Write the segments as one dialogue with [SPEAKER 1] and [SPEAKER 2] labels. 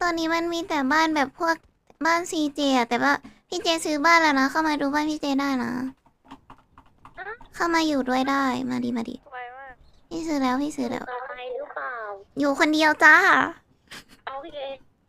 [SPEAKER 1] อนนี้มันมีแต่บ้านแบบพวกบ้านซีเจอะแต่ว่าพี่เจซื้อบ้านแล้วนะเข้ามาดูบ้านพี่เจได้นะเข้ามาอยู่ด้วยได้มาดีมาดี
[SPEAKER 2] ไวมาก
[SPEAKER 1] พี่ซื้อแล้วพี่ซื้อแล้ว
[SPEAKER 2] กับใครหรือเปล่า
[SPEAKER 1] อยู่คนเดียวจ้า
[SPEAKER 2] โอเค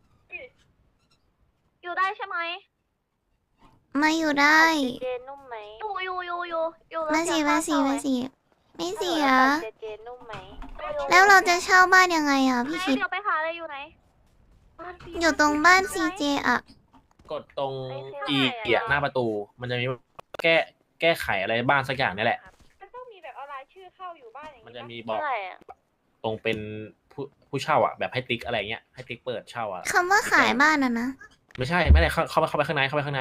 [SPEAKER 2] อยู่ได้ใช่ไหม
[SPEAKER 1] มาอยู่ได้
[SPEAKER 2] เจเจนุ่มไหมอยู่แล้ว
[SPEAKER 1] มาสิมาสิมาสิไม่เสีย
[SPEAKER 2] เจเจนุ่มไหม
[SPEAKER 1] แล้วเราจะเช่าบ้านยังไงอ่ะพี่คิด
[SPEAKER 2] เดี๋ยวไปหาอะไรอยู่ไหน
[SPEAKER 1] อยู่ตรงบ้านซีเจอ่ะ
[SPEAKER 3] กดตรงอีเกียหน้าประตู มันจะมีแก้แก้ไขอะไรบ้านสักอย่างนี่แหละ
[SPEAKER 4] มันต้องมีแบบเอารายชื่อเข้าอยู่บ้านอย่าง
[SPEAKER 3] มัน
[SPEAKER 4] นี้
[SPEAKER 3] จะ
[SPEAKER 4] ปะ
[SPEAKER 3] มีบอก
[SPEAKER 2] เท่าไหร่อะ
[SPEAKER 3] ตรงเป็นผู้เช่าอ่ะแบบให้ติ๊กอะไรเงี้ยให้ติ๊กเปิดเช่าอ่ะ
[SPEAKER 1] คำว่าขายบ้านอ่ะนะ
[SPEAKER 3] ไม่ใช่ไม่ได้เข้าไปข้างในเข้าไปข้างใน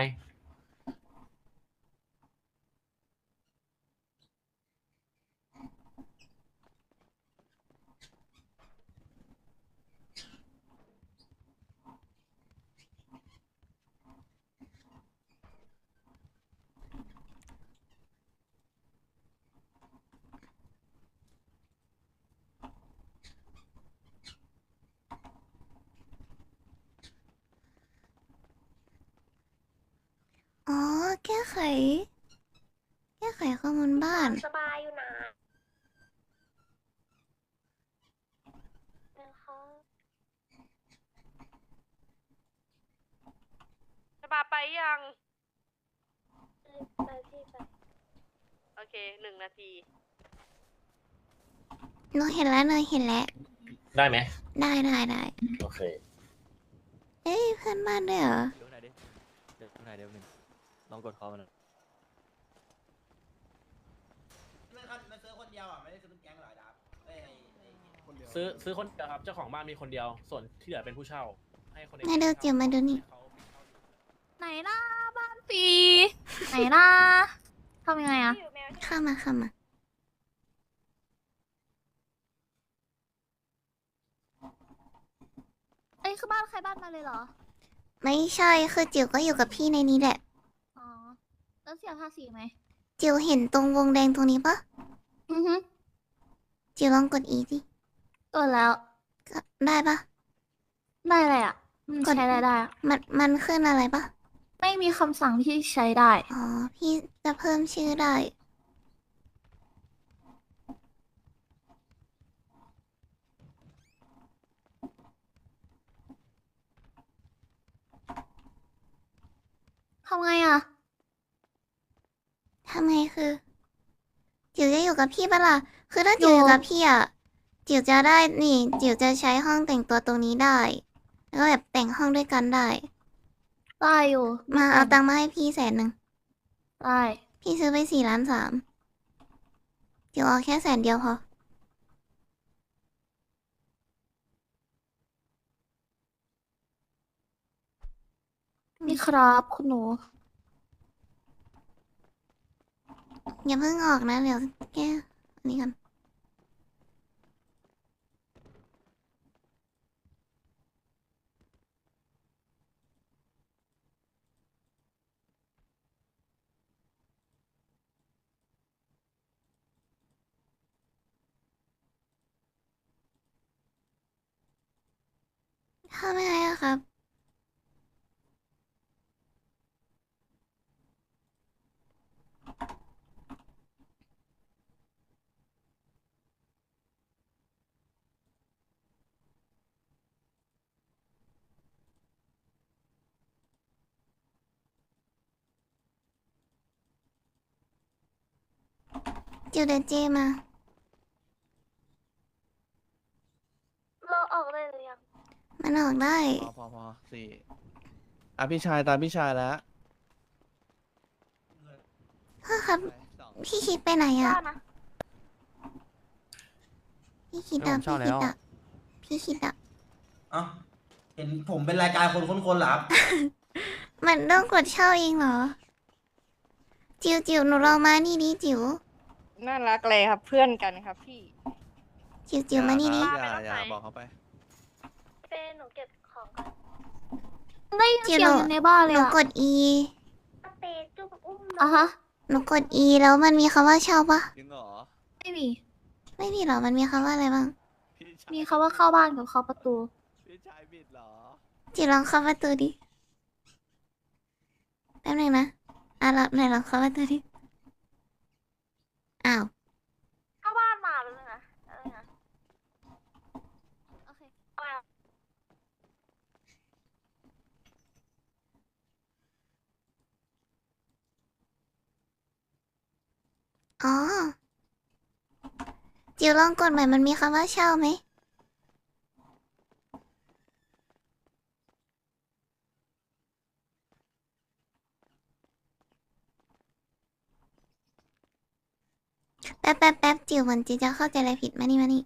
[SPEAKER 1] อ๋อแก้ไข แก้ไขข้อมูลบ้าน
[SPEAKER 2] สบายอยู่นะนะคะ
[SPEAKER 4] จะมาไปยัง
[SPEAKER 2] ไปที่ไป
[SPEAKER 4] โอเค1 นาที
[SPEAKER 1] หนูเห็นแล้วหนูเห็นแล้ว
[SPEAKER 3] ได้ไหม
[SPEAKER 1] ได้ได้ได้
[SPEAKER 3] โอเค
[SPEAKER 1] เอ้ยเพื่อนบ้านด้วยเหรอ
[SPEAKER 5] ดูหน่อยดิเดี๋ยวดูหน่อยเดี๋ยวหนึ่งลองกดคอมันหน่อย
[SPEAKER 6] มันซื้อคนเดียวอ่ะไม่ได้ซื้อเป็นแก๊งหรอดับคนเดียว
[SPEAKER 3] ซื้อคนเดียวครับเจ้าของบ้านมีคนเดียว ส่วนที่เหลือเป็นผู้เช่า ให้คน
[SPEAKER 1] มาดูจิ๋วมาดูนี่
[SPEAKER 2] ไหนล่ะบ้านฟรีไหนล่ะทำยังไงอะ
[SPEAKER 4] ที่อยู่แมวที่
[SPEAKER 1] เข้ามาเข้ามา
[SPEAKER 2] เอ้ยคือบ้านใครบ้านมาเลยเหรอ
[SPEAKER 1] ไม่ใช่คือจิ๋วก็อยู่กับพี่ในนี้แหละ
[SPEAKER 2] อ๋อแล้วเสียภาษีไหม
[SPEAKER 1] จิ๋วเห็นตรงวงแดงตรงนี้ปะ
[SPEAKER 2] อือฮึ
[SPEAKER 1] จิ๋วลองกดอีดิ
[SPEAKER 2] ตัวแล้ว
[SPEAKER 1] ก็ได้ปะ
[SPEAKER 2] ได้อะไรอะใช้อะไรได้อะ
[SPEAKER 1] มันขึ้นอะไรปะ
[SPEAKER 2] ไม่มีคำสั่งที่ใช้ได้
[SPEAKER 1] อ๋อพี่จะเพิ่มชื่อได้
[SPEAKER 2] ทำไงอะ
[SPEAKER 1] ทำไงคือจิ๋วจะอยู่กับพี่ปะล่ะคือถ้าจิ๋วอยู่กับพี่อ่ะจิ๋วจะได้นี่จิ๋วจะใช้ห้องแต่งตัวตรงนี้ได้ แล้วก็แบบแต่งห้องด้วยกันได้
[SPEAKER 2] ได้อยู่
[SPEAKER 1] มาเอาตังค์มาให้พี่100,000
[SPEAKER 2] ได้
[SPEAKER 1] พี่ซื้อไป4,300,000จิ๋วเอาแค่100,000พอ
[SPEAKER 2] นี่ครับคุณหนู
[SPEAKER 1] อย่าเพิ่งออกนะเดี๋ยวแก้อันนี้กันทำยังไงอะครับ จิ๋วเดยวเจมา
[SPEAKER 2] เราออกได้หรือยัง
[SPEAKER 1] มันออกได้
[SPEAKER 5] พอสี่อ่ะพี่ชายตามพี่ชายแล้ว
[SPEAKER 1] พ่อครับ
[SPEAKER 5] สอง
[SPEAKER 1] พี่คิดไปไหน
[SPEAKER 2] ได้
[SPEAKER 1] อะ
[SPEAKER 2] นะ
[SPEAKER 1] พี่คิดอะพี่คิดอะพี่คิดอะ
[SPEAKER 6] เอ้าเห็นผมเป็นรายการคนค้นคนเหรอครับ
[SPEAKER 1] มันต้องกดเช่าเองเหรอ จิ๋วหนูลองมานี่ดิจิ๋ว
[SPEAKER 4] น่ารักเลยครับเพื่อนกันครับพี่
[SPEAKER 1] จิ๋วมานี่ดิ
[SPEAKER 5] อย่าบอกเขาไป
[SPEAKER 2] เป้หนูเก็บของก่อนได้ยินเสียงอยู่ในบ้าน
[SPEAKER 1] ห
[SPEAKER 2] เลย
[SPEAKER 1] นู
[SPEAKER 2] อะ
[SPEAKER 1] กด E
[SPEAKER 2] เป้จุ๊บอุ้มอ่ะฮะ
[SPEAKER 1] หนูกด E แล้วมันมีคำว่าเช่าปะ
[SPEAKER 5] จริงเหรอ
[SPEAKER 2] ไม่มี
[SPEAKER 1] ไม่มีหรอ มันมีคำว่าอะไรบ้าง
[SPEAKER 5] พี่ชาย
[SPEAKER 2] มีคำว่าเข้าบ้านกับเข้าประตู
[SPEAKER 5] พี่ชายบิดเหรอ
[SPEAKER 1] จิ๋วลองเข้าประตูดิแป๊บนึงนะเราไหนลองเข้าประตูดิอ้าว
[SPEAKER 2] เข้าบ้านมาแล้วนะอะไรนะโอเคเอามา
[SPEAKER 1] อ๋อจิ๋วลองกดใหม่มันมีคำว่าเช่าไหมแป๊บจิ๋วเหมือนจิ๋วจะเข้าใจอะไรผิดมานี่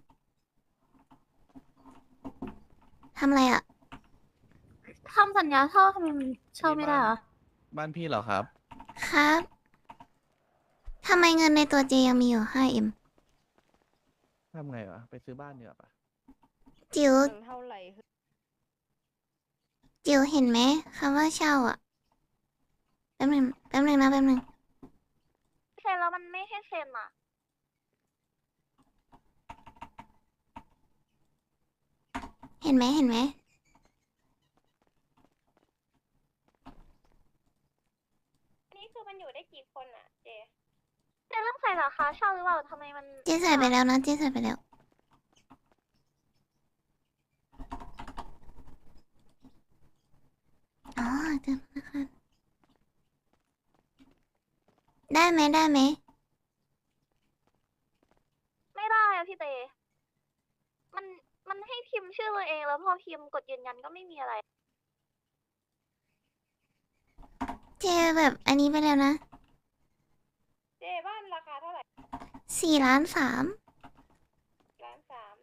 [SPEAKER 1] ทำอะไรอ่ะ
[SPEAKER 2] ทำสัญญาเช่าทำไมมันเช่าไม่ได้เหรอ
[SPEAKER 5] บ้านพี่เหรอครับ
[SPEAKER 1] ครับทำไมเงินในตัวเจยังมีอยู่ 5M
[SPEAKER 5] ทำไงวะ ไปซื้อบ้านดีกว่าปะ
[SPEAKER 1] จิ๋ว
[SPEAKER 4] มันเท่าไหร่
[SPEAKER 1] จิ๋วเห็นไหมคำว่าเช่าอ่ะแป๊บนึงนะแป๊บนึง
[SPEAKER 2] เซ็นแล้วมันไม่ให้เซ็นอ่ะ
[SPEAKER 1] เห็นไหม
[SPEAKER 4] นี่คือมันอยู่ได้กี่คนอ่ะเจ
[SPEAKER 2] เซ็นเรื่องใส่ราคาเช่าหรือเปล่าทำไมมัน
[SPEAKER 1] เจ๊ใส่ไปแล้วนะเจ๊ใส่ไปแล้วอ๋อเจอแล้วค่ะได้ไหม
[SPEAKER 2] ไม่ได้อะพี่เตมันมันให้พิมพ์ชื่อตัวเองแล้วพอพิมพ์กดยืนยันก็ไม่มีอะไร
[SPEAKER 1] เจ๊แบบอันนี้ไปแล้วนะ
[SPEAKER 4] เจบ้านราคาเท่าไหร่
[SPEAKER 1] 4.3 ล้าน
[SPEAKER 4] 1,300,000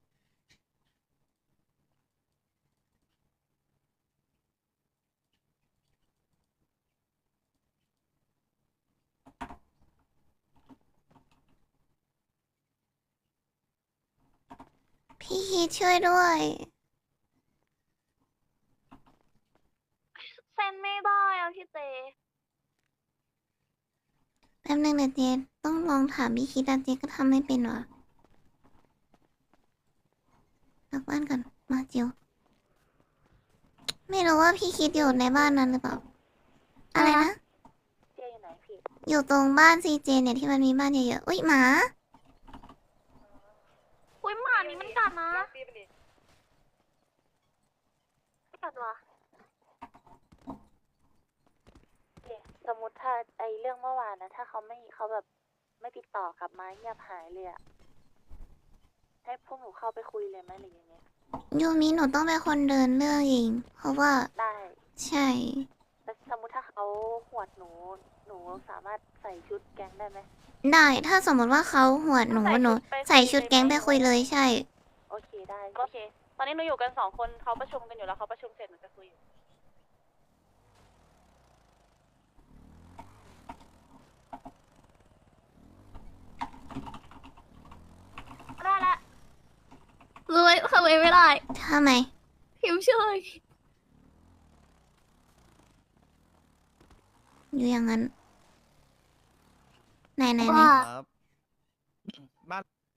[SPEAKER 1] พี่คิดช่วยด้วย
[SPEAKER 2] เซ็นไม่ได้อะพี่เต
[SPEAKER 1] แป๊บนึงเดี๋ยวเจ๊ต้องลองถามพี่คิดแต่เจ๊ก็ทำไม่เป็นว่ะกลับบ้านก่อนมาจิ๋วไม่รู้ว่าพี่คิดอยู่ในบ้านนั้นหรือเปล่า อะไรนะ
[SPEAKER 2] เจอยู่ไหนพี่
[SPEAKER 1] อยู่ตรงบ้านซีเจเนี่ยที่มันมีบ้านเยอะๆ อุ๊ยหมา
[SPEAKER 2] อุ้ยหมานี่มันกัดนะ
[SPEAKER 4] ล็อกตีไปดิ
[SPEAKER 2] กัดวะ
[SPEAKER 7] สมมติถ้าไอเรื่องเมื่อวานนะถ้าเขาแบบไม่ติดต่อกลับมาเงียบหายเลยอะให้พวกหนูเข้าไปคุยเลยไหมหรือยังไง
[SPEAKER 1] ยูมิหนูต้องเป็นคนเดินเรื่องเอง เพราะว่า
[SPEAKER 7] ได้
[SPEAKER 1] ใช่
[SPEAKER 7] แต่สมมติถ้าเขาหวดหนูสามารถใส่ชุดแก๊งได้ไหม
[SPEAKER 1] ได้ถ้าสมมติว่าเขาหวดหนูใส่ชุดแก๊งไปคุยเลยใช่
[SPEAKER 7] โอเคได้
[SPEAKER 8] โอเค ตอนนี้หนูอยู่กัน2 คนเขาประชุมกันอยู่แล้วเขาประชุมเสร็จหนูจะคุยอยู่
[SPEAKER 2] ได้ละเลยทำไมไม่ได้
[SPEAKER 1] ทำไม
[SPEAKER 2] พิมพ์ชื่อเลย
[SPEAKER 1] อยู่อย่างนั้น ไหน
[SPEAKER 2] ว่า
[SPEAKER 5] ครับ บ้าน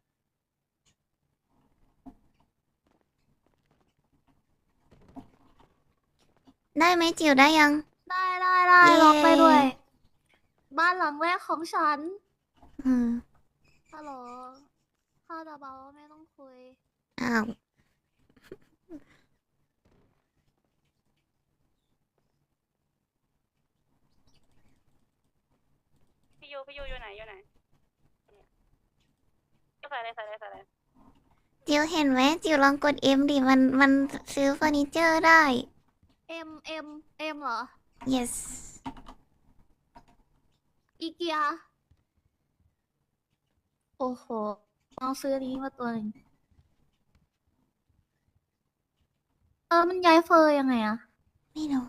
[SPEAKER 1] ได้ไหมจิ๋วได้ยัง
[SPEAKER 2] ได้
[SPEAKER 1] เย้
[SPEAKER 2] ล็อกไปด้วย บ้านหลังแรกของฉัน
[SPEAKER 1] อืม
[SPEAKER 2] ฮัลโหลข้าจะเบาไม่ต้องคุย
[SPEAKER 1] อ้าว
[SPEAKER 8] พี่ยูอยู่ไหนอยู่ไหนใส่เลย
[SPEAKER 1] จิ๋วเห็นไหมจิ๋วลองกด M ดิมันซื้อเฟอร์นิเจอร์ได้
[SPEAKER 2] M เหรอ
[SPEAKER 1] yes
[SPEAKER 2] อีเกีย โอ้โหเอาซื้ออันนี้มาตัวหนึ่งมันย้ายเฟอร์ยังไงอะ
[SPEAKER 1] ไม่รู้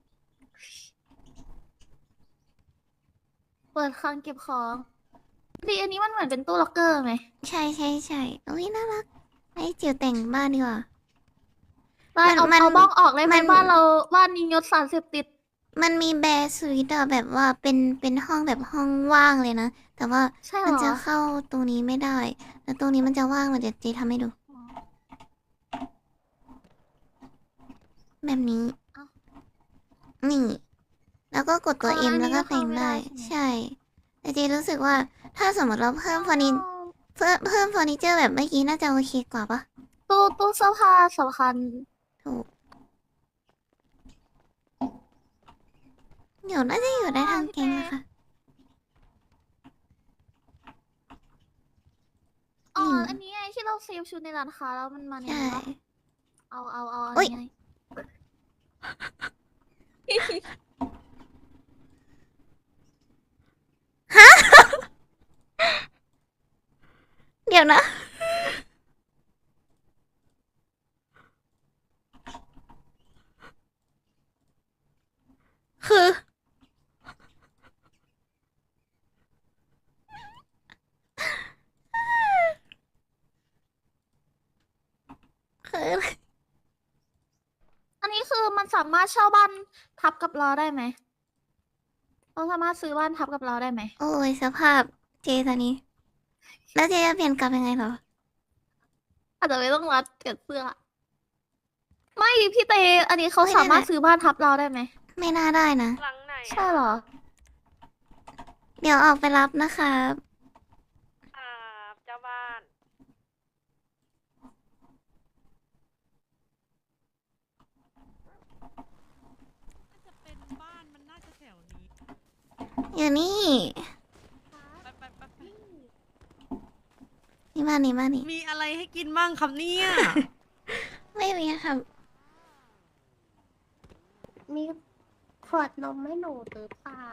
[SPEAKER 2] เปิดคลังเก็บของดีอันนี้มันเหมือนเป็นตู้ล็อกเกอร์ไหม
[SPEAKER 1] ใช่อุ้ยน่ารักให้จิ๋วแต่งบ้านดีกว่า
[SPEAKER 2] ได้เอา
[SPEAKER 1] มัน
[SPEAKER 2] เอาบ้องออกได้ไหม
[SPEAKER 1] มัน
[SPEAKER 2] บ้านนี้ยศสารเสพติด
[SPEAKER 1] มันมีแบร์สวีทอะแบบว่าเป็นห้องแบบห้องว่างเลยนะ แต่ว่า
[SPEAKER 2] ใช่เหร
[SPEAKER 1] มัน
[SPEAKER 2] อ
[SPEAKER 1] จะเข้าตรงนี้ไม่ได้ แล้วตรงนี้มันจะว่างเดี๋ยวเจทำให้ดู แแบบนี้ นี่ แล้วก็กดตัว M แล้วก็เพลงได้ ใช่ แต่เจรู้สึกว่าถ้าสมมติเราเพิ่มเพิ่มเฟอร์นิเจอร์แบบเมื่อกี้น่าจะโอเคกว่าปะ
[SPEAKER 2] ตู้เสื้อผ้าสำคัญ
[SPEAKER 1] ถูก เดี๋ยวน่าจะอยู่ได้ทางแกงนะคะ
[SPEAKER 2] อ๋อ อันนี้ไงที่เราเซฟชุดในร้านค้าแล้วมันมาใน
[SPEAKER 1] ใช่
[SPEAKER 2] นี้ปะเอาอัน
[SPEAKER 1] อุ๊ย
[SPEAKER 2] นี้ไง
[SPEAKER 1] เดี๋ยวนะ คือ คือ
[SPEAKER 2] อันนี้คือมันสามารถเช่าบ้านทับกับเราได้ไหมเราสามารถซื้อบ้านทับกับเราได้ไหม
[SPEAKER 1] โอ้ยสภาพเจตอนนี้ แล้วเจจะเปลี่ยนกลับยังไงเหรอ
[SPEAKER 2] อาจจะไม่ต้องรัดเกิดเสื้อ ไม่พี่เต อันนี้เขา
[SPEAKER 1] ไม่ได้
[SPEAKER 2] สามารถ
[SPEAKER 1] แหละ
[SPEAKER 2] ซื้อบ้านทับเราได้ไหม
[SPEAKER 1] ไม่น่าได้นะ
[SPEAKER 8] หลังไหน
[SPEAKER 2] ใช่เหรอ
[SPEAKER 1] เดี๋ยวออกไปรับนะคะ
[SPEAKER 8] เจ้าบ้าน
[SPEAKER 1] อยู่นี่ นี่มานี่มานี่
[SPEAKER 9] มีอะไรให้กินบ้างครับเนี่ย
[SPEAKER 1] ไม่มีค่ะ
[SPEAKER 2] มีขวดนมให้หนูหรือเปล่า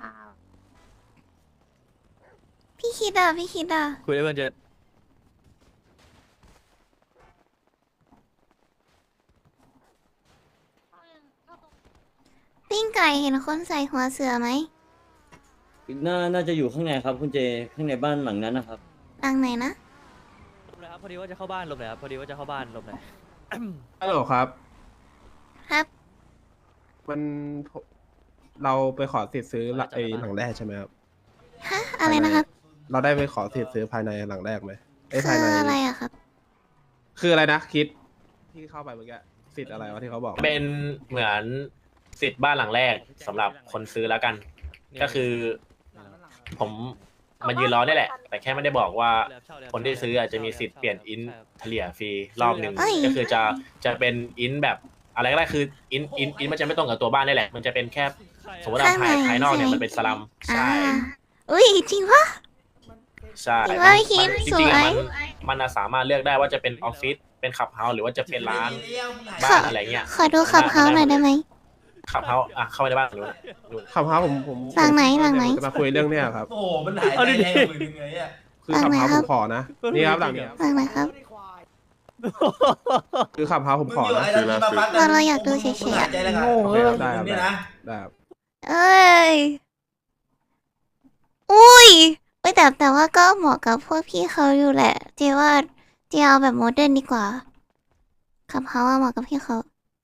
[SPEAKER 1] พี่คิดอ่ะ
[SPEAKER 5] คุยได้เพื่อนเจ
[SPEAKER 1] ปิ้งไก่เห็นคนใส่หัวเสือไหม
[SPEAKER 10] น่าจะอยู่ข้างในครับคุณเจ ข้างในบ้านหลังนั้นนะครับ
[SPEAKER 1] หลังไหนนะ
[SPEAKER 5] ลบเลยครับพอดีว่าจะเข้าบ้านลบเลยครับพอดีว่าจะเข้าบ้านลบเลย
[SPEAKER 11] ฮัลโหลครับ
[SPEAKER 1] ครับ
[SPEAKER 11] มันเราไปขอสิทธิ์ซื้อไอ้หลังแรกใช่ไหมครับ
[SPEAKER 1] ฮะ อะไรนะครับ
[SPEAKER 11] เราได้ไปขอสิทธิ์ซื้อภายในหลังแรกไหมไอ้ย
[SPEAKER 1] คื
[SPEAKER 11] ภายใน
[SPEAKER 1] ออะไรอะครับ
[SPEAKER 11] คืออะไรนะคิดที่เข้าไปเมื่อกี้สิทธิ์อะไรวะที่เขาบอก
[SPEAKER 3] เป็นเหมือนสิทธิ์บ้านหลังแรกสำหรับคนซื้อแล้วกัน ก็คือ ผมมายืนรอนี่แหละ แต่แค่ไม่ได้บอกว่า คนที่ซื้ออาจจะมีสิทธิ์เปลี่ยนอินเฉลี่ยฟรีรอบหนึ่ง
[SPEAKER 1] เอ้ย
[SPEAKER 3] ก็คือจะเป็นอินแบบอะไรก็ได้คืออินมันจะไม่ตรงกับตัวบ้านนี่แหละ มันจะเป็นแค่สมมติว่าภายนอกเนี่ยมันเป็นสลัม
[SPEAKER 1] อ่า
[SPEAKER 3] ใช่
[SPEAKER 1] อุ้ยจริงปะ
[SPEAKER 3] ใช่
[SPEAKER 1] จริงว่าพี่คิด
[SPEAKER 3] จ
[SPEAKER 1] ส
[SPEAKER 3] ริง
[SPEAKER 1] ว
[SPEAKER 3] ๆ
[SPEAKER 1] ย
[SPEAKER 3] มันสามารถเลือกได้ว่าจะเป็นออฟฟิศเป็นขับเฮาส์หรือว่าจะเป็นร้าน
[SPEAKER 1] ขอ
[SPEAKER 3] บ้านอะไรเงี้ย
[SPEAKER 1] ขอดูขับเฮาหน่อยได้ไหม
[SPEAKER 3] ขับเฮาส์เข้าไปในบ้านนู้น
[SPEAKER 11] ขับเฮาผม
[SPEAKER 1] หลังไหนหลังไหน
[SPEAKER 11] จะมาคุยเรื่องเนี้ยครับ
[SPEAKER 6] โอ้โหมันหายใจแรงกว่ามึงไงอ่ะ
[SPEAKER 11] คือขับเฮาผมขอนะนี่ครับหลังนี้ครับ
[SPEAKER 1] หลังไหนครับ
[SPEAKER 11] คือขับเฮาผมขอนะ
[SPEAKER 1] เราอยากดูเฉยๆอะ
[SPEAKER 6] โง่
[SPEAKER 11] โอเคครับได้ครับได้ครับ
[SPEAKER 1] เอ้ย อุ้ยเอ้ยแต่ว่าก็เหมาะกับพวกพี่เขาอยู่แหละ เจว่าเจเอาแบบโมเดิร์นดีกว่า ขับเฮาอะเหมาะกับพี่เขา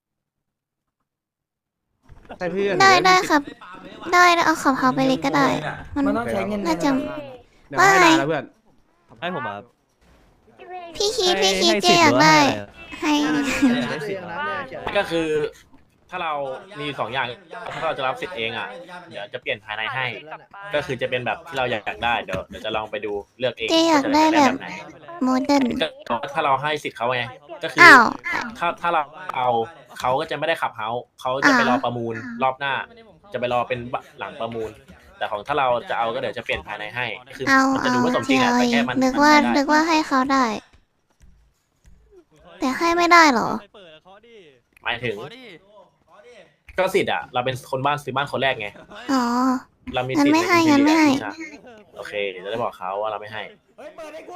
[SPEAKER 11] ใช่เพื่อน
[SPEAKER 1] ได้ครับ ได้เอาขับเฮาไปเลยก็ได้ มัน
[SPEAKER 6] มันต้องใช้เงิน
[SPEAKER 1] น่าจะ
[SPEAKER 11] เดี๋ยวให้นายแล้วเพื่อน
[SPEAKER 5] ให้ผมมาครับ
[SPEAKER 1] พี่คิดเจอยากได้ ให้
[SPEAKER 3] ก็คือ ถ้าเรามีสองอย่างถ้าเราจะรับสิทธิ์เองอ่ะเดี๋ยวจะเปลี่ยนภายในให้ ก็คือจะเป็นแบบที่เราอยากได้เดี๋ยวจะลองไปดูเลือกเอง
[SPEAKER 1] เจอยากได้
[SPEAKER 3] ว่าจะ
[SPEAKER 1] แบบ
[SPEAKER 3] ไหน
[SPEAKER 1] โมเดิร์น
[SPEAKER 3] ก็ถ้าเราให้สิทธิ์เขาไงก็คือ
[SPEAKER 1] อ้าว
[SPEAKER 3] ถ้าเราเอาเขาก็จะไม่ได้ขับเฮาส์เขาจะไปรอประมูลรอบหน้า จะไปรอเป็นหลังประมูล แต่ของถ้าเราจะเอาก็เดี๋ยวจะเปลี่ยนภายในให้คือ
[SPEAKER 1] เอา
[SPEAKER 3] มันจะ
[SPEAKER 1] เอา
[SPEAKER 3] ดูว่าสม
[SPEAKER 1] เจ
[SPEAKER 3] จริงอะ
[SPEAKER 1] เอา
[SPEAKER 3] แต่
[SPEAKER 1] เอ
[SPEAKER 3] แค่
[SPEAKER 1] ง
[SPEAKER 3] มัน
[SPEAKER 1] นึกว่า
[SPEAKER 3] ไม่ได้
[SPEAKER 1] นึกว่าให้เขาได้ แต่ให้ไม่ได้เหรอ
[SPEAKER 5] เปิดเขาดิ
[SPEAKER 3] หมายถึง
[SPEAKER 5] เขาดิ
[SPEAKER 3] ก็สิทธิ์อ่ะเราเป็นคนบ้านซื้อบ้านคนแรกไง
[SPEAKER 1] อ๋อ
[SPEAKER 3] เรามี
[SPEAKER 1] งั้
[SPEAKER 3] สิ
[SPEAKER 1] น
[SPEAKER 3] ทธิ์
[SPEAKER 1] ไม่ให้
[SPEAKER 3] ใน
[SPEAKER 1] งั้นไม่ให้
[SPEAKER 3] ใช่โอเคเดี๋ยวจะได้บอกเขาว่าเราไม่ให้
[SPEAKER 6] เฮ้ยเปิดให้กู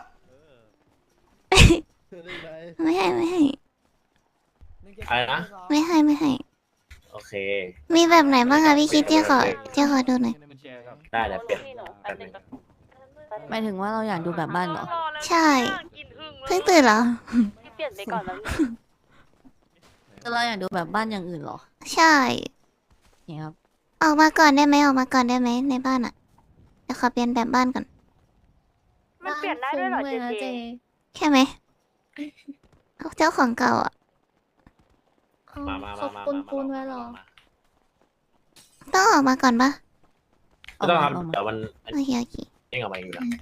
[SPEAKER 1] ไม่ให้
[SPEAKER 3] อะไรนะ
[SPEAKER 1] ไม่ให้
[SPEAKER 3] โอเค
[SPEAKER 1] มีแบบไหนบ้างคะพี่คิดเจขอดูหน่อย
[SPEAKER 3] ได้เดี๋ยวเปลี่ยน
[SPEAKER 8] พี่หนู
[SPEAKER 3] แป๊บนึง
[SPEAKER 9] หมายถึงว่าเราอยากดูแบบบ้านเหรอ
[SPEAKER 1] ใช่ เพิ่งตื่นเหรอ
[SPEAKER 8] พี่เปลี่ยนไปก่อนแล้ว
[SPEAKER 9] เราอยากดูแบบบ้านอย่างอื่นเหรอ
[SPEAKER 1] ใช่
[SPEAKER 9] เนี่ยครับ
[SPEAKER 1] ออกมาก่อนได้ไหมในบ้านอะเดี๋ยวขอเปลี่ยนแบบบ้านก่อน
[SPEAKER 8] มันเปลี่ยนได้ด้วยเหรอ
[SPEAKER 2] บ้านฟุ้งลนะ
[SPEAKER 8] เจ
[SPEAKER 1] แค่ไหมเอาเจ้าของเก่าอะ
[SPEAKER 2] ขเอา
[SPEAKER 3] มา
[SPEAKER 2] เขาปูนไว้เหรอ
[SPEAKER 1] ต้องออกมาก่อนปะ
[SPEAKER 3] ไม่ต้องครับ
[SPEAKER 9] ออกมา
[SPEAKER 3] เดี๋ยวมัน
[SPEAKER 1] โอเคโอเค
[SPEAKER 3] เองออกมาเองอยู่แล้ว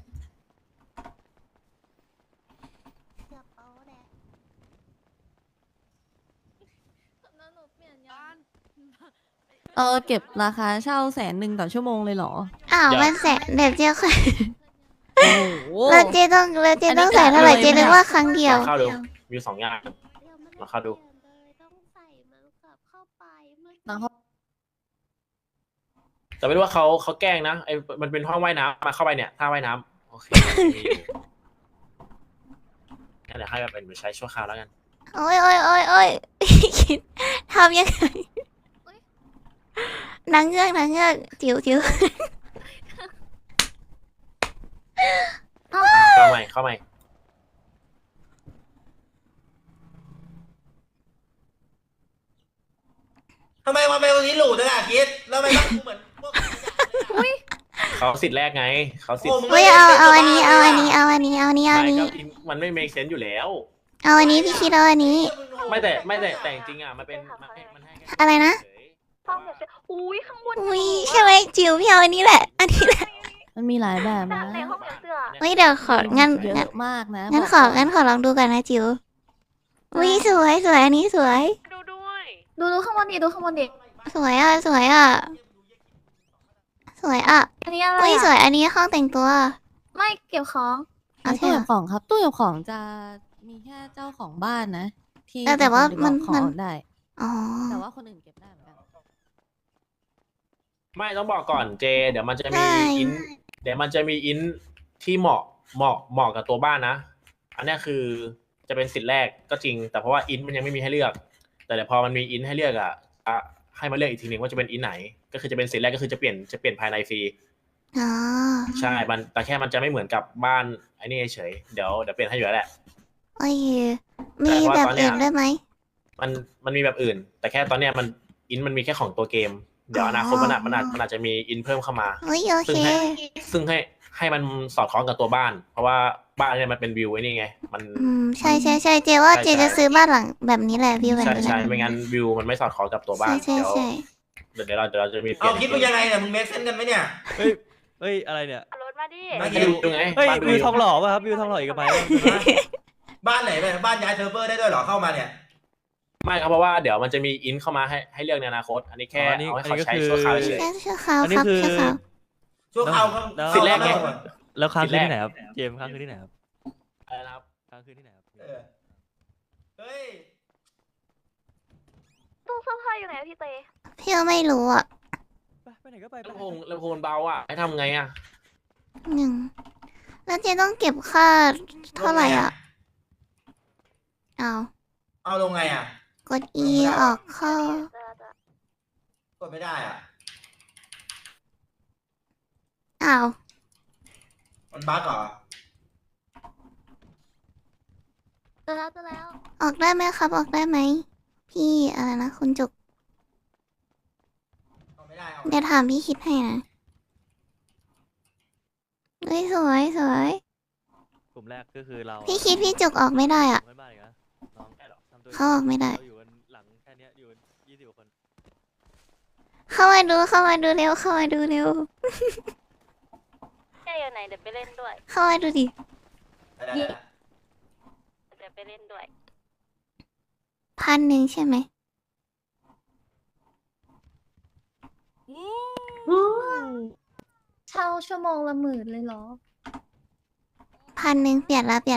[SPEAKER 9] เก็บราคาเช่า100,000ต่อชั่วโมงเลยเหรอ
[SPEAKER 1] อ้าวมันแสนเดี๋ยวเจ๊ค่อย
[SPEAKER 9] โอ้โห
[SPEAKER 1] แล้วเจ๊ต้องใส่เท่าไหร่เจ๊นึกว่าครั้งเดียว
[SPEAKER 3] ลองเข้าดูมีสองอย่างลองเข้าดู
[SPEAKER 9] น้องเขา
[SPEAKER 3] แต่ไม่รู้ว่าเขาแกล้งนะไอ้มันเป็นห้องว่ายน้ำมาเข้าไปเนี่ยท่าว่ายน้ำโอเคมีอยู่งั้นเดี๋ยวให้มันเป็นใช้ชั่วคราวแล้วกัน
[SPEAKER 1] โอ้ย คิดทำยังไงนางเงือกจิ๋ว
[SPEAKER 3] เข้าใหม่
[SPEAKER 6] ทำไมมันเป็นคนนี้หลูจังอะคิดแล้วทำไมต้องเหมือนพวก
[SPEAKER 3] เขาสิทธิ์แรกไงเขาสิทธิ์
[SPEAKER 1] เฮ้ยเอาอันนี้
[SPEAKER 3] ไม่ก็มันไม่ make sense อยู่แล้ว
[SPEAKER 1] เอาอันนี้พี่คิดเอาอันนี้
[SPEAKER 3] ไม่แต่จริงๆอ่ะมันเป็นมันให้แค่
[SPEAKER 1] อะไรนะ
[SPEAKER 3] เฉย
[SPEAKER 8] ห้องแบบอุ้ยข้างบน
[SPEAKER 1] อุ้ยใช่ไหมจิ๋วพี่เอาอันนี้แหละ อันนี้แหละ
[SPEAKER 9] มันมีหลายแบบนะ
[SPEAKER 8] ในห้องเสื้อ
[SPEAKER 1] เฮ้ยเดี๋ยวของั้น
[SPEAKER 9] เยอะมากนะ
[SPEAKER 1] งั้นขอลองดูกันนะจิ๋วอุ้ยสวยอันนี้สวย
[SPEAKER 8] ดูด้วย
[SPEAKER 2] ดูข้างบนดิดูข้างบนดิ
[SPEAKER 1] สวยอ่ะ
[SPEAKER 2] อันนี้อะไร
[SPEAKER 1] อุ้ยสว
[SPEAKER 2] อะ
[SPEAKER 1] ยอันนี้ห้องแต่งตัว
[SPEAKER 2] ไม่เก็บของ
[SPEAKER 1] เอา
[SPEAKER 9] ตู้
[SPEAKER 1] ใช่เหร
[SPEAKER 9] เก็
[SPEAKER 1] อบ
[SPEAKER 9] ของครับตู้เก็บของจะมีแค่เจ้าของบ้านนะ ที่
[SPEAKER 1] แต่ว่า
[SPEAKER 9] เป็นคนดึง
[SPEAKER 1] มัน
[SPEAKER 9] ของได้
[SPEAKER 1] อ๋อ
[SPEAKER 9] แต่ว่าคนอื่นเก็บได้เหมือนกัน
[SPEAKER 3] ไม่ต้องบอกก่อนเจ เดี๋ยวมันจะมี
[SPEAKER 1] ใช่
[SPEAKER 3] อินที่เหมาะกับตัวบ้านนะ อันเนี้ยคือจะเป็นสิทธิ์แรกก็จริง แต่เพราะว่าอินมันยังไม่มีให้เลือก แต่เดี๋ยวพอมันมีอินให้เลือกอ่ะให้มาเลือกอีกทีหนึ่งว่าจะเป็นอินไหน ก็คือจะเป็นสิทธิ์แรกก็คือจะเปลี่ยนภายในฟรี
[SPEAKER 1] อ๋อ
[SPEAKER 3] ใช่มันแต่แค่มันจะไม่เหมือนกับบ้านไอ้นี่เฉยเดี๋ยวเปลี่ยนให้อยู่แล้วแหละ
[SPEAKER 1] โอเคมีแบบอื่นด้วยไหม
[SPEAKER 3] มันมีแบบอื่น แต่แค่ตอนเนี้ยมันมีแค่ของตัวเกม เดี๋ยวอนาคตมันอาจจะมีอินเพิ่มเข้ามา
[SPEAKER 1] เฮ้ยโอเค
[SPEAKER 3] ซึ่งให้มันสอดคล้องกับตัวบ้าน เพราะว่าบ้านเนี่ยมันเป็นวิวไอ้นี่ไง มัน
[SPEAKER 1] ใช่เจว่า
[SPEAKER 3] ใช่
[SPEAKER 1] เจจะซื้อบ้านหลังแบบนี้แหละพี่แบบ
[SPEAKER 3] ใช่
[SPEAKER 1] นี้แห
[SPEAKER 3] ใช่
[SPEAKER 1] ละ
[SPEAKER 3] ไม่งั้นวิวมันไม่สอดคล้องกับตัวบ้าน
[SPEAKER 1] ใช่
[SPEAKER 3] เดี๋ยวเราจะมีเป
[SPEAKER 6] เอา
[SPEAKER 3] ลี่ยน
[SPEAKER 6] คิดมึงยังไงเนี่ยมึงเมคเซนกันไหมเนี่ย
[SPEAKER 5] เฮ้ยอะไรเนี่ย
[SPEAKER 8] รถมาดิ
[SPEAKER 6] ไม่
[SPEAKER 3] ให้ดูไง
[SPEAKER 5] เฮ้ย
[SPEAKER 3] บ้าน
[SPEAKER 5] วิวทองหล่อป่ะครับวิวทองหล่ออีกไหม
[SPEAKER 6] บ้านไหนเนี่ยบ้านย้ายเซิร์ฟเวอร์ได้ด้วยเหรอเข้ามาเนี่ย
[SPEAKER 3] ไม่ครับเพราะว่าเดี๋ยวมันจะมีอินเข้ามาให้เลือกในอนาคต อันนี้แค่เอาให้เขาใช้ชั่วคราวเฉย
[SPEAKER 1] แค่ชั่วคราว
[SPEAKER 5] อันนี้
[SPEAKER 1] ครับ
[SPEAKER 5] คือ
[SPEAKER 1] ชั่วคราว
[SPEAKER 6] ชั่วคราวก็
[SPEAKER 5] แล้ว
[SPEAKER 3] สิทธิ์แรกไง
[SPEAKER 5] แล้วค้างคืน
[SPEAKER 3] สิทธิ์แรก
[SPEAKER 5] ที่ไหนครับเจมส์ค้างคืนที่ไหนครับ
[SPEAKER 3] อะไรนะครับ
[SPEAKER 5] ค้างคืนที่ไหนครับ
[SPEAKER 6] เออเฮ้ย
[SPEAKER 8] ตู้เสื้อผ้าอยู่ไหนอะพี่เต
[SPEAKER 1] พี่ก็ไม่รู้อ่ะ
[SPEAKER 5] ไปไหนก็ไป
[SPEAKER 3] ลำโพงเบาอ่ะให้ทำไงอ่ะ
[SPEAKER 1] แล้วเจต้องเก็บค่าเท่าไหร่อ่ะเอา
[SPEAKER 6] เอาลงไงอ่ะ
[SPEAKER 1] กด E ออกเข้า
[SPEAKER 6] กดไม่ได้อ่ะ
[SPEAKER 1] อ้าว
[SPEAKER 6] มันบั๊กเหรอ
[SPEAKER 2] เจอแล้ว
[SPEAKER 1] ออกได้ไหมครับออกได้ไหมพี่อะไรนะคุณจุก
[SPEAKER 6] เอาไม่ได้เอา
[SPEAKER 1] เดี๋ยวถามพี่คิดให้นะเฮ้ยสวย
[SPEAKER 5] กลุ่มแรกก็คือเรา
[SPEAKER 1] พี่คิดพี่จุกออกไม่ได้อ่ะ
[SPEAKER 5] ไม่บ้านอีกนะน้องทำตัว
[SPEAKER 1] เขาออกไม่ได้
[SPEAKER 5] เราอยู่กันหลังแค่เนี้ยอยู่กัน20กว่าคน
[SPEAKER 1] เข้ามาดูเร็วเข้ามาดูเร็ว
[SPEAKER 8] แค่อยู่ไหนเดี๋ยวไปเล่นด้วย
[SPEAKER 1] เข้ามาดูดิ
[SPEAKER 6] ได้
[SPEAKER 8] เดี๋ยวไปเล่นด้วย
[SPEAKER 1] 1,000ใช่ไหม
[SPEAKER 2] เช่าชั่วโมงละ10,000เลยเหรอ
[SPEAKER 1] 1,000เปลี่ยนละ
[SPEAKER 2] โอเค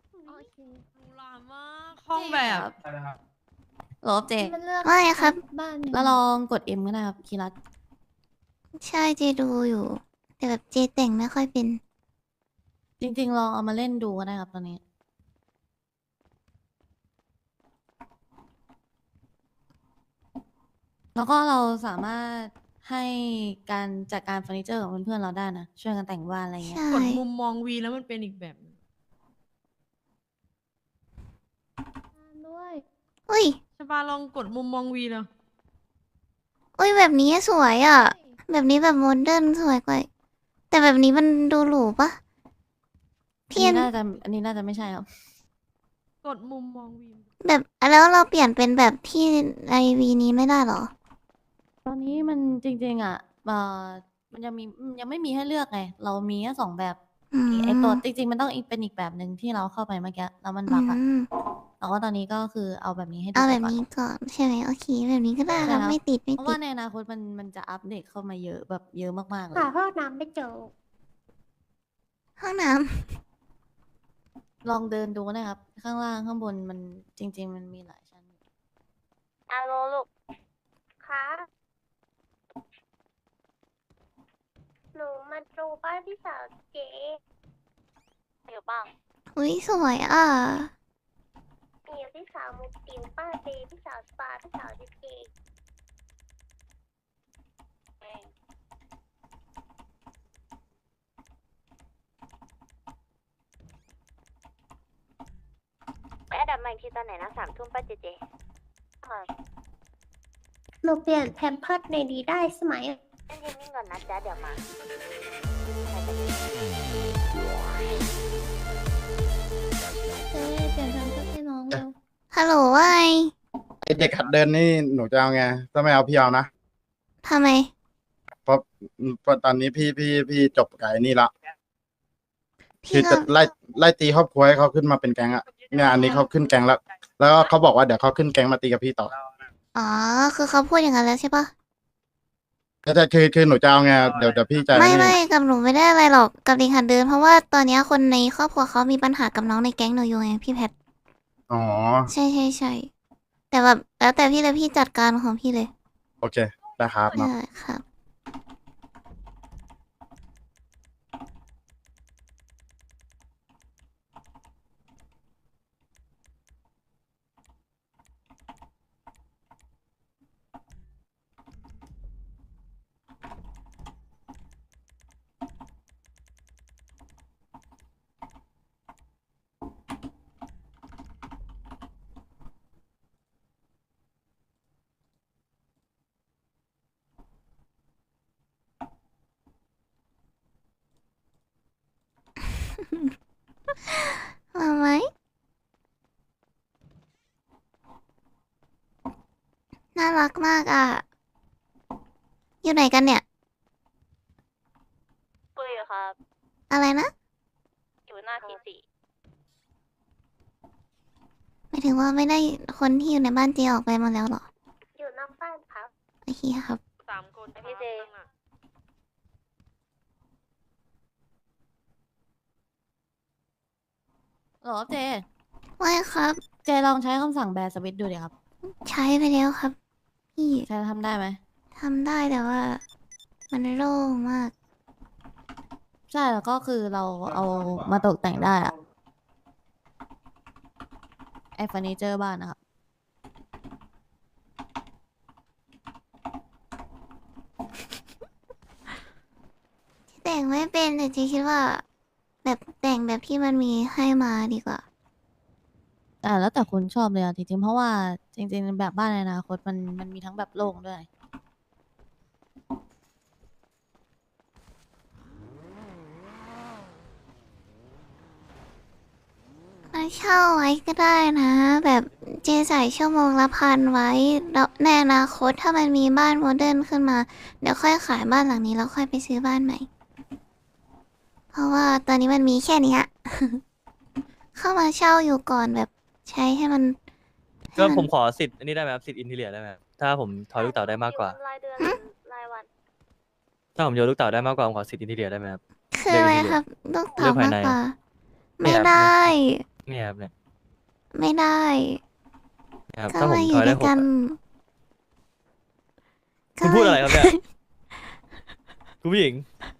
[SPEAKER 9] ห้องแบบ
[SPEAKER 3] ได้นะครับ
[SPEAKER 9] ลบเจ
[SPEAKER 2] มันเลือก
[SPEAKER 1] ไม่ครับ
[SPEAKER 2] บ้านอยู่
[SPEAKER 9] แล้วลองกด M ก็ได้ครับคีรัต
[SPEAKER 1] ใช่เจดูอยู่ แต่แบบเจแต่งไม่ค่อยเป็น
[SPEAKER 9] จริงๆลองเอามาเล่นดูก็ได้ครับตอนนี้ แล้วก็เราสามารถให้การจัดการเฟอร์นิเจอร์ของเพื่อนๆเราได้นะ ช่วยกันแต่งบ้านอะไรเงี้ย
[SPEAKER 1] ใช่
[SPEAKER 12] กดมุมมองวีแล้วมันเป็นอีกแบบหนึ่ง
[SPEAKER 2] ด้วย
[SPEAKER 1] อุ้ย
[SPEAKER 12] ใช่ปะลองกดมุมมองวีแล้ว
[SPEAKER 1] อุ้ยแบบนี้สวยอ่ะ แบบนี้แบบโมเดิร์นสวยกว่า แต่แบบนี้มันดูหรูปะ
[SPEAKER 9] อัน
[SPEAKER 1] พี่
[SPEAKER 9] นี้น่าจะไม่ใช่ครับ
[SPEAKER 12] กดมุมมองวี
[SPEAKER 1] แบบแล้วเราเปลี่ยนเป็นแบบที่ไอวีนี้ไม่ได้เหรอ
[SPEAKER 9] ตอนนี้มันจริงๆอ่ะมันยังไม่มีให้เลือกไง เรามีแค่2 แบบ
[SPEAKER 1] อืม
[SPEAKER 9] ไอตัวจริงๆมันต้องเป็นอีกแบบหนึ่งที่เราเข้าไปเมื่อกี้แล้วมันบั๊กอ่ะ
[SPEAKER 1] อืม
[SPEAKER 9] แต่ว่าตอนนี้ก็คือเอาแบบนี้ให้ดู
[SPEAKER 1] เอา
[SPEAKER 9] ไป
[SPEAKER 1] แบบ
[SPEAKER 9] ก่อน
[SPEAKER 1] นี้ก่อนใช่ไหมโอเคแบบนี้ก็ได้
[SPEAKER 9] ใช่
[SPEAKER 1] ครับ
[SPEAKER 9] ครับ
[SPEAKER 1] ไม่ติดไม่
[SPEAKER 9] เพราะ
[SPEAKER 1] ติ
[SPEAKER 9] ว่า
[SPEAKER 1] ด
[SPEAKER 9] ในอนาคตมันจะอัปเดตเข้ามาเยอะแบบเยอะมากๆเลย
[SPEAKER 4] หาพ่อน้ำไม่เจอ
[SPEAKER 1] ห้องน้
[SPEAKER 9] ลองเดินดูนะครับ ข้างล่างข้างบนมันจริง ๆ มันมีหลายชั้นอยู่
[SPEAKER 7] อาโลลูก
[SPEAKER 4] คะหนูมาดูบ้านพี่สาวเจ๊
[SPEAKER 7] อยู่บ้าง
[SPEAKER 1] ำอุ้ยสวยอ่ะ
[SPEAKER 4] มีพี่สาวมุกตินป้าเจพี่สาวสปาพี่สาวดิเจ
[SPEAKER 7] ไปอันดับใหม่ทีตอนไหนนะ3 ทุ่มป้าเจเจ
[SPEAKER 4] หนูเปลี่ยนแพมเพิร์ดในดีได้ใช่ไหม
[SPEAKER 7] เล่นนิ่งๆก่อนนะจ๊ะเดี๋ยวมา
[SPEAKER 2] เจ๊เปลี่ยนแพมเพิร์สให้น้องเร็ว
[SPEAKER 1] ฮัลโหลว่าไง
[SPEAKER 11] ไอเด็กหัดเดินนี่หนูจะเอาไงถ้าไม่เอาพี่เอานะ
[SPEAKER 1] ทำไม
[SPEAKER 11] เพราะตอนนี้พี่จบกับไอ้นี่ละ
[SPEAKER 1] พี่
[SPEAKER 11] คือ
[SPEAKER 1] ก็
[SPEAKER 11] จะไล่ตีครอบครัวให้เขาขึ้นมาเป็นแก๊งอะเนี่ยอันนี้เขาขึ้นแก๊งแล้ว แล้วก็เขาบอกว่าเดี๋ยวเขาขึ้นแก๊งมาตีกับพี่ต่อ
[SPEAKER 1] อ๋อ คือเขาพูดอย่างนั้นแล้วใช่ปะ
[SPEAKER 11] แต่คือหนูจะเอาไงเดี๋ยวพี่จะ
[SPEAKER 1] ไม่
[SPEAKER 11] นี่
[SPEAKER 1] ไม่กับหนูไม่ได้อะไรหรอกกับเด็กหัดเดิน เพราะว่าตอนเนี้ยคนในครอบครัวเขามีปัญหากับน้องในแก๊งหนูอยู่ไงพี่แพท
[SPEAKER 11] อ๋อ
[SPEAKER 1] ใช่ใช่ใช่แต่แบบแล้วแต่พี่เลยพี่จัดการของพี่เลย
[SPEAKER 11] โอเคได้ครับเนาะ
[SPEAKER 1] ได้ครับ มาไหมน่ารักมากอ่ะ อยู่ไหนกันเนี่ย
[SPEAKER 7] คุยอยู่ครับ
[SPEAKER 1] อะไรนะ
[SPEAKER 7] อยู่หน้าทีสี่
[SPEAKER 1] หมายถึงว่าไม่ได้คนที่อยู่ในบ้านเจออกไปหมาแล้วเหรอ
[SPEAKER 4] อยู่นอกบ้านครับ
[SPEAKER 1] โอเคครับ
[SPEAKER 8] 3 คน
[SPEAKER 7] พี่เจ
[SPEAKER 9] หรอเจ
[SPEAKER 1] ว่าครับ
[SPEAKER 9] เจลองใช้คำสั่งแบร์สวิตช์ดูดิครับ
[SPEAKER 1] ใช้ไปแล้วครับ พี่
[SPEAKER 9] ใช้ทำได้ไหม
[SPEAKER 1] ทำได้แต่ว่า มันโล่งมาก
[SPEAKER 9] ใช่แล้วก็คือเราเอามาตกแต่งได้อะไอเฟอร์นิเจอร์บ้านนะครับ
[SPEAKER 1] แต่งไม่เป็นแต่เจคิดว่า แบบแต่งแบบที่มันมีให้มาดีกว่า
[SPEAKER 9] แล้วแต่คุณชอบเลยอะจริงๆเพราะว่าจริงๆแบบบ้านในอนาคตมันมีทั้งแบบโล่งด้วย
[SPEAKER 1] มาเช่าไว้ก็ได้นะ แบบเจใส่ชั่วโมงละ1,000ไว้แล้วในอนาคตถ้ามันมีบ้านโมเดิร์นขึ้นมา เดี๋ยวค่อยขายบ้านหลังนี้แล้วค่อยไปซื้อบ้านใหม่ เพราะว่าตอนนี้มันมีแค่เนี้ย เข้ามาเช่าอยู่ก่อนแบบใช้ให้มันให้
[SPEAKER 13] ก็
[SPEAKER 1] น
[SPEAKER 13] ผมขอสิทธิ์อันนี้ได้ไหมครับสิทธิ์อินทีเรียได้ไหมครับถ้าผมทอยลูกเต๋าได้มากกว่า
[SPEAKER 7] รายเดือนรายวัน
[SPEAKER 13] ถ้าผมโยนลูกเต๋าได้มากกว่าผมขอสิทธิ์อินทีเรียได้ไหมครับ
[SPEAKER 1] คืออะไรครับลูกเต๋า
[SPEAKER 13] เลือกภาย
[SPEAKER 1] มาก
[SPEAKER 13] ใน
[SPEAKER 1] กว่า
[SPEAKER 13] เนี่
[SPEAKER 1] ไม่
[SPEAKER 13] ยครับ
[SPEAKER 1] ได้
[SPEAKER 13] เนี่ยครับเนี่ย
[SPEAKER 1] ไม่ได้
[SPEAKER 13] เนี่ยครับ
[SPEAKER 1] ก็
[SPEAKER 13] ถ้าผม
[SPEAKER 1] มาอ
[SPEAKER 13] ท
[SPEAKER 1] ยู่
[SPEAKER 13] อย
[SPEAKER 1] ด้
[SPEAKER 13] ได้
[SPEAKER 1] วย
[SPEAKER 13] หก
[SPEAKER 1] กัน
[SPEAKER 13] อะคุณพูดอะไรครับเนี่ย คุณผู้หญิง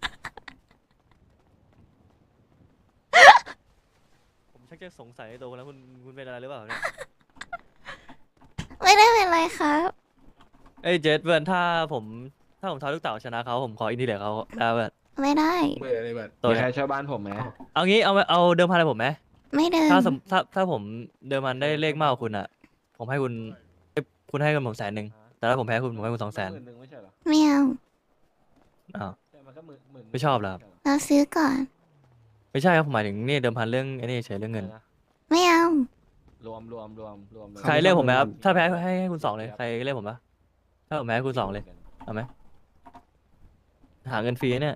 [SPEAKER 13] ผมชักจะสงสัยในตัวคุณแล้วคุณเป็นอะไรหรือเปล่าเนี่ย
[SPEAKER 1] ไม่ได้เป็นไรครับ
[SPEAKER 13] เอ้ยเจสเพื่อนถ้าผมทอยลูกเต๋าชนะเขาผมขออินทีเรียเขาได้เพื่อน
[SPEAKER 1] ไม่ได้
[SPEAKER 11] เบิร์ดเลยเบิร์ด
[SPEAKER 13] ตัว
[SPEAKER 11] มี
[SPEAKER 13] เนี่
[SPEAKER 11] ใคร
[SPEAKER 13] ย
[SPEAKER 11] เช่าบ้านผมไหม
[SPEAKER 13] เอางี้เอาเดิมพันอะไรผมไหม
[SPEAKER 1] ไม่เดิน
[SPEAKER 13] ถ้าผมเดิมพันได้เลขมากกว่าคุณอ่ะ ผมให้คุณคุณให้เงินผม100,000แต่ถ้าผมแพ้คุณผมให้คุณ200,000
[SPEAKER 11] หนึ่งไม่ใช่เหรอ
[SPEAKER 1] ไม่เอา
[SPEAKER 13] อ้าว
[SPEAKER 11] ใช่มันก็หมื่น
[SPEAKER 13] ไม่ชอบเหรอครับ
[SPEAKER 1] เราซื้อก่อน
[SPEAKER 13] ไม่ใช่ครับผมหมายถึงนี่เดิมพันเรื่องไอ้นี่เฉยเรื่องเงิน
[SPEAKER 1] ไม่เอา
[SPEAKER 5] รวมเลย
[SPEAKER 13] ใครเรียกผมไหมครับถ้าแพ้ให้คุณสองเลยใครเรียกผมปะถ้าผมแพ้ให้คุณสองเลยเอาไหมหาเงินฟรีเนี่ย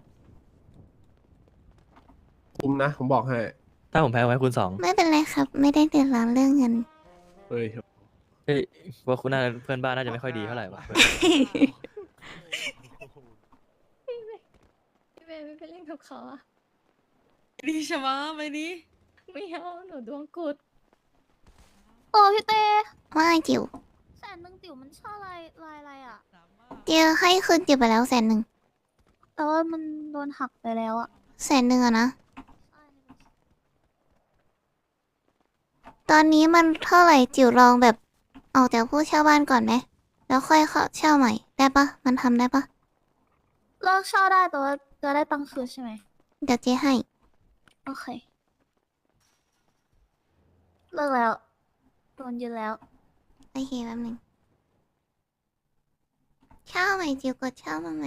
[SPEAKER 5] คุ้มนะผมบอกให้
[SPEAKER 13] ถ้าผมแพ้ผมให้คุณสอง
[SPEAKER 1] ไม่เป็นไรครับ ไม่ได้เดือดร้อนเรื่องเงิน
[SPEAKER 5] เฮ้ย
[SPEAKER 13] เฮ้ยว่าคุณน่าเพื่อนบ้านน่าจะไม่ค่อยดีเท่าไหร่วะ
[SPEAKER 2] พี่เบย์ไม่ไปเล่นกับเขาอะ
[SPEAKER 12] ดีใช่ไหมไปดิ
[SPEAKER 2] ไม่เอาหนูดวงกุดโอ้พี่เต้
[SPEAKER 1] ว่าไงจิ๋ว
[SPEAKER 2] 100,000ติ๋วมันช่อลายอะไรอะ
[SPEAKER 1] จิ๋วให้คืนจิ๋วไปแล้ว100,000
[SPEAKER 2] แต่ว่ามันโดนหักไปแล้วอะ
[SPEAKER 1] 100,000อะนะ ตอนนี้มันเท่าไหร่จิ๋วลองแบบออกจากผู้เช่าบ้านก่อนไหมแล้วค่อยเข้าเช่าใหม่ได้ปะมันทำได้ปะ
[SPEAKER 2] เลิกเช่าได้แต่ว่าจะได้ตังค์คืนใช่ไหม
[SPEAKER 1] เดี๋ยวเจ๊ให้
[SPEAKER 2] โอเค เลิกแล้วโดนยึดแล้ว
[SPEAKER 1] โอเคแป๊บนึงเช่าใหม่จิ๋วกดเช่ามาใหม่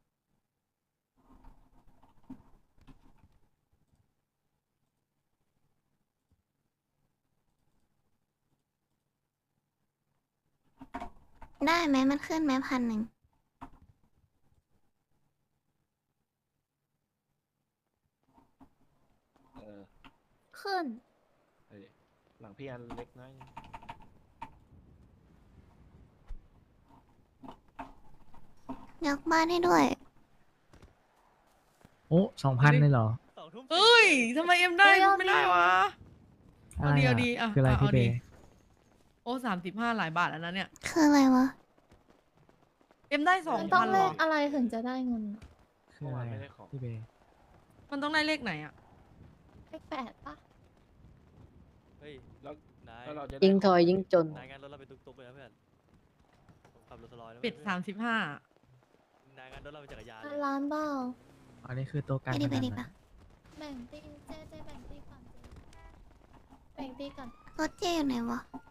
[SPEAKER 1] ได้ไหมมันขึ้นไหม1,000
[SPEAKER 2] ขึ้น
[SPEAKER 5] หลังพี่อันเล็กน้อย
[SPEAKER 1] ยกบ้านให้ด้วย
[SPEAKER 14] โอ้2,000เลยเหรอ
[SPEAKER 12] เอ้ยทำไมเอ็มได้
[SPEAKER 2] เอ้ยเอา
[SPEAKER 12] ไม่ได้
[SPEAKER 2] ดิ
[SPEAKER 12] วะ
[SPEAKER 14] อะไร
[SPEAKER 12] เอาดี
[SPEAKER 14] อ่ะ
[SPEAKER 12] เอาดีอ่ะ
[SPEAKER 14] คืออะไร
[SPEAKER 12] เอา
[SPEAKER 14] พี่เบ
[SPEAKER 12] ดี
[SPEAKER 14] ย์
[SPEAKER 12] โอ้35หลายบาทแล้วนะเนี่ย
[SPEAKER 1] คืออะไรวะ
[SPEAKER 12] เอ็มได้
[SPEAKER 2] มันต้อง
[SPEAKER 12] 2,000ห
[SPEAKER 2] เล
[SPEAKER 12] รอ
[SPEAKER 2] ขอะไรถึงจะได้เงิน
[SPEAKER 14] คืออะไรอ่ะพี่เบย์
[SPEAKER 12] มันต้องได้เลขไหนอ่ะ
[SPEAKER 2] เลข8ปะ
[SPEAKER 13] เฮ้ยแล้วนาย
[SPEAKER 9] ยิ่งถอยยิ่งจน
[SPEAKER 13] นายงานรถเราเป็นตุ๊กๆเลยนะเพื่อนผมขับรถสลอยแล้ว
[SPEAKER 12] ปิด
[SPEAKER 13] เพื่อน
[SPEAKER 12] 35
[SPEAKER 13] นายงานรถเราเป็นจักรยานเลย
[SPEAKER 2] ล้านเบ้า
[SPEAKER 14] อันนี้คือตัวการ
[SPEAKER 1] ไปดิ
[SPEAKER 14] พ
[SPEAKER 1] ไป
[SPEAKER 14] นัน
[SPEAKER 1] ดิ
[SPEAKER 14] นะ
[SPEAKER 1] ปะ
[SPEAKER 2] แบ่งตีเจ๊แบ่งตีก่อนเจ๊แบ่งตีก่อน
[SPEAKER 1] รถเจ๊อยู่ไหนวะ